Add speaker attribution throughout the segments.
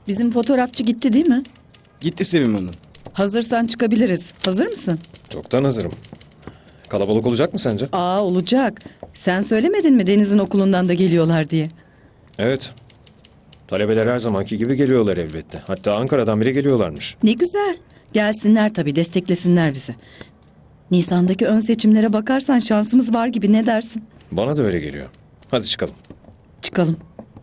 Speaker 1: Bizim fotoğrafçı gitti değil mi?
Speaker 2: Gitti Sevim Hanım.
Speaker 1: Hazırsan çıkabiliriz. Hazır mısın?
Speaker 3: Çoktan hazırım. Kalabalık olacak mı sence?
Speaker 1: Olacak. Sen söylemedin mi Deniz'in okulundan da geliyorlar diye?
Speaker 3: Evet. Talebeler her zamanki gibi geliyorlar elbette. Hatta Ankara'dan bile geliyorlarmış.
Speaker 1: Ne güzel. Gelsinler tabii, desteklesinler bizi. Nisan'daki ön seçimlere bakarsan şansımız var gibi, ne dersin?
Speaker 3: Bana da öyle geliyor. Hadi çıkalım.
Speaker 1: Çıkalım.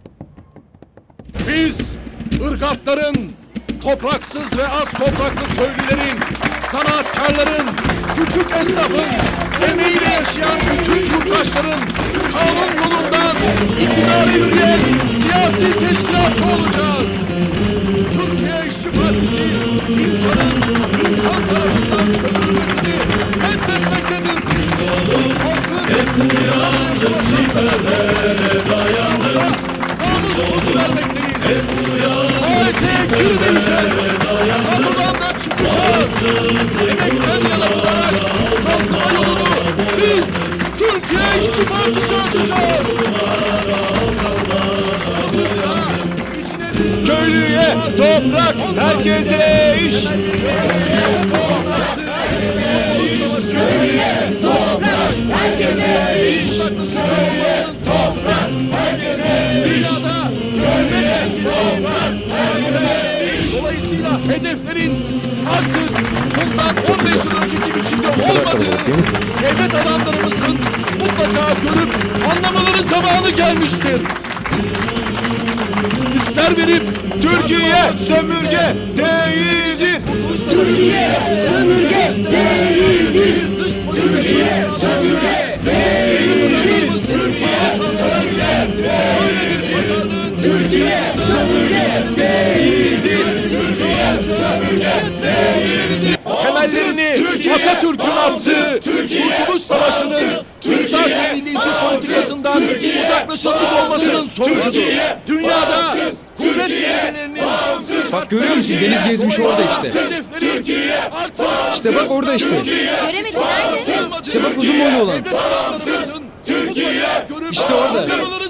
Speaker 4: Biz ırgatların, topraksız ve az topraklı köylülerin, sanatkarların, küçük esnafın, emeğiyle yaşayan bütün yurttaşların kanun yolundan iktidara yürüyen siyasi teşkilatçı olacağız. Türkiye İşçi Partisi insan tarafından sömürülmesini reddetmektedir. Halkın namus sözü vermekteyiz. Tuvalete girmeyeceğiz. Kapıdan da çıkacağız. Emekten yana olarak kalkınma yolunu biz Türkiye İşçi Partisi açacağız.
Speaker 2: Köylüye toprak, herkese iş.
Speaker 4: Dolayısıyla hedeflerin artık bundan 15 yıl önceki biçimde olmadığı devlet adamlarımızın mutlaka görüp anlamaları zamanı gelmiştir. Üstler verip
Speaker 2: Türkiye sömürge değildir.
Speaker 4: Türkiye sömürge değildir. Türkiye sömürge değildir. Türkiye sömürge değildir. Temellerini Atatürk'ün attığı Kurtuluş Savaşı'nın Misak-ı Millici politikasından uzaklaşılmış olmasının sonucudur. Dünyada kuvvet ilkelerinin
Speaker 2: Bak görüyor musun? Deniz gezmiş orada işte. İşte bak orada işte.
Speaker 5: Göremedim, nerede?
Speaker 2: İşte bak uzun boylu olan. İşte orada.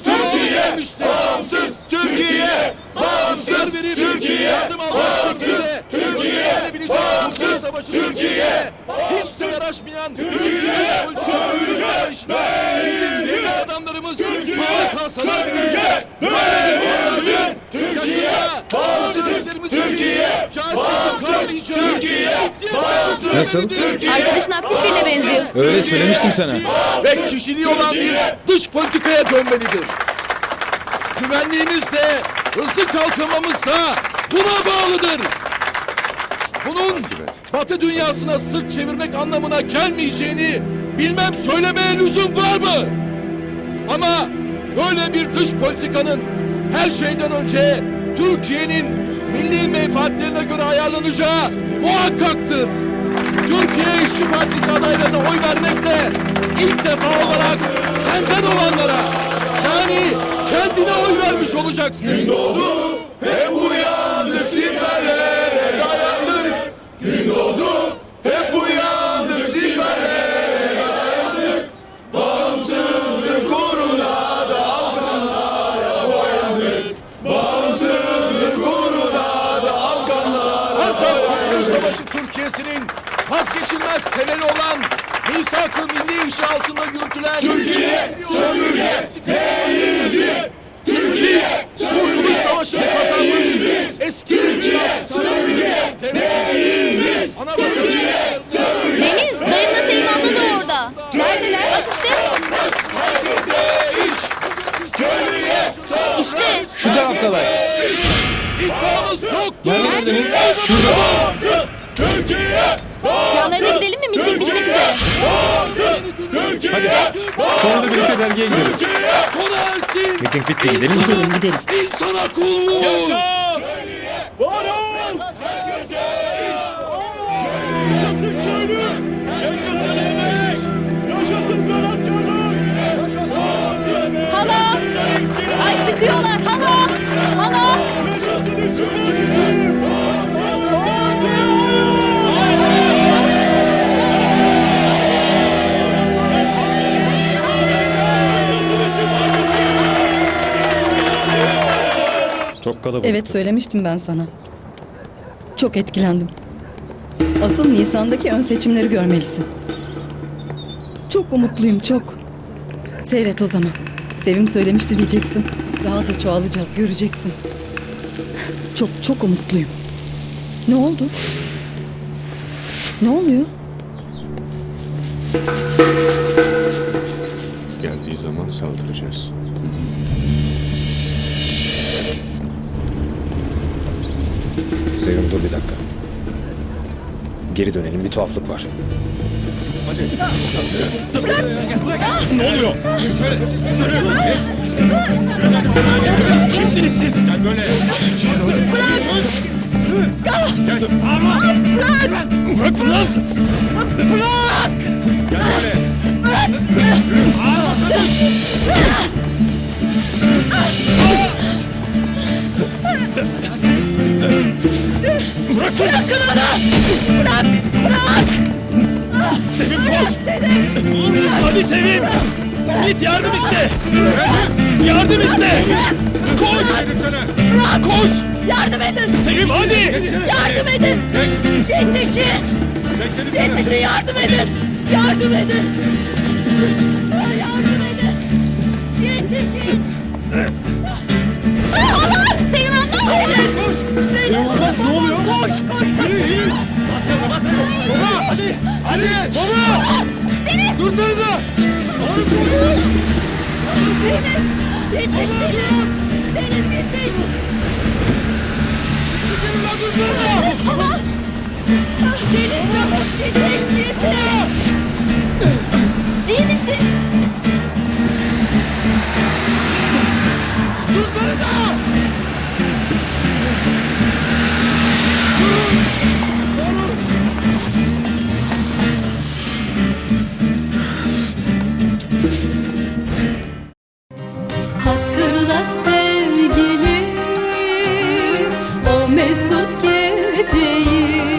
Speaker 4: Türkiye bağımsız. Türkiye bağımsız. Türkiye hiç de yaraşmayan Türkiye bizim devlet adamlarımız para kalsalar bile Türkiye bağımsız.
Speaker 3: Nasıl?
Speaker 5: Arkadaşın aktif birine benziyor.
Speaker 2: Öyle söylemiştim sana.
Speaker 4: Ve kişiliği olan bir dış politikaya dönmelidir. Güvenliğimiz de hızlı kalkınmamız da buna bağlıdır. Bunun Batı dünyasına sırt çevirmek anlamına gelmeyeceğini bilmem söylemeye lüzum var mı? Ama böyle bir dış politikanın her şeyden önce Türkiye'nin milli menfaatlerine göre ayarlanacağı muhakkaktır. Türkiye İşçi Partisi adaylarına oy vermekle ilk defa olarak senden olanlara, yani kendine oy vermiş olacaksın. Gün doğdu, hep uyandık, siperlere dayandık. Gün doğdu, hep uyandık, siperlere dayandık. Bağımsızlık uğruna da Afganlara boyandık. Bağımsızlık uğruna da Afganlara ancak Kurtuluş Savaşı Türkiye'sinin vazgeçilmez temeli olan Misak-ı Milli işi altında yürütülen Türkiye sömürge değildir. Türkiye Kurtuluş Savaşı'nı kazanmış eski Türkiye sömürge değildir. Türkiye sömürge.
Speaker 5: Deniz, dayımla Sevim abla da orada. Neredeler? Bak işte. İşte.
Speaker 2: Şu taraftalar.
Speaker 4: İddiamız yoktur.
Speaker 2: Neredesiniz? Şurada.
Speaker 4: Türkiye
Speaker 5: Yanlarına gidelim mi? Miting bitmek üzere.
Speaker 2: Hadi. Sonra da birlikte dergiye gideriz.
Speaker 4: sona ersin.
Speaker 3: Miting bitti, gidelim mi?
Speaker 1: Gidelim gidelim.
Speaker 4: İnsana kulluk. Yaşasın köylü. Yaşasın emek. Yaşasın sanatkarlık. Yaşasın.
Speaker 5: Hala. Ay çıkıyorlar. Hala. Hala.
Speaker 4: Yaşasın işçi partisi.
Speaker 3: Çok Çok kalabalıktı.
Speaker 1: Evet, söylemiştim ben sana. Çok etkilendim. Asıl Nisan'daki ön seçimleri görmelisin. Çok umutluyum, çok. Seyret o zaman. Sevim söylemişti diyeceksin. Daha da çoğalacağız, göreceksin. Çok çok umutluyum. Ne oldu? Ne oluyor?
Speaker 6: Geldiği zaman saldıracağız.
Speaker 3: Sevim dur bir dakika. Geri dönelim, bir tuhaflık var.
Speaker 6: Kimsiniz siz? Gel böyle. Bırak lan! Gel böyle. Bırakın onu! Bırak! Sevim koş! Hadi Sevim! Git yardım iste! Yardım iste! Koş! Koş!
Speaker 5: Yardım edin.
Speaker 6: Sevim hadi!
Speaker 5: Yardım edin. Yetişin. Yetişin, yardım edin. Yardım edin. Yardım edin. Yetişin. Allah! Sevim abla!
Speaker 6: Koş! Sevim abla ne oluyor?
Speaker 5: Koş, koş, koş.
Speaker 6: Bas gaza bas! Baba! Hadi! Hadi! Baba!
Speaker 5: Deniz!
Speaker 6: Dursanıza! Oğlum koş!
Speaker 5: Deniz! Yetiş Deniz! Deniz yetiş!
Speaker 6: Sikerim lan dursanıza!
Speaker 5: Tamam! Ah, Deniz çabuk yetiş, yetiş! İyi misin?
Speaker 6: Dursanıza!
Speaker 7: Hatırla sevgilim o mesut geceyi.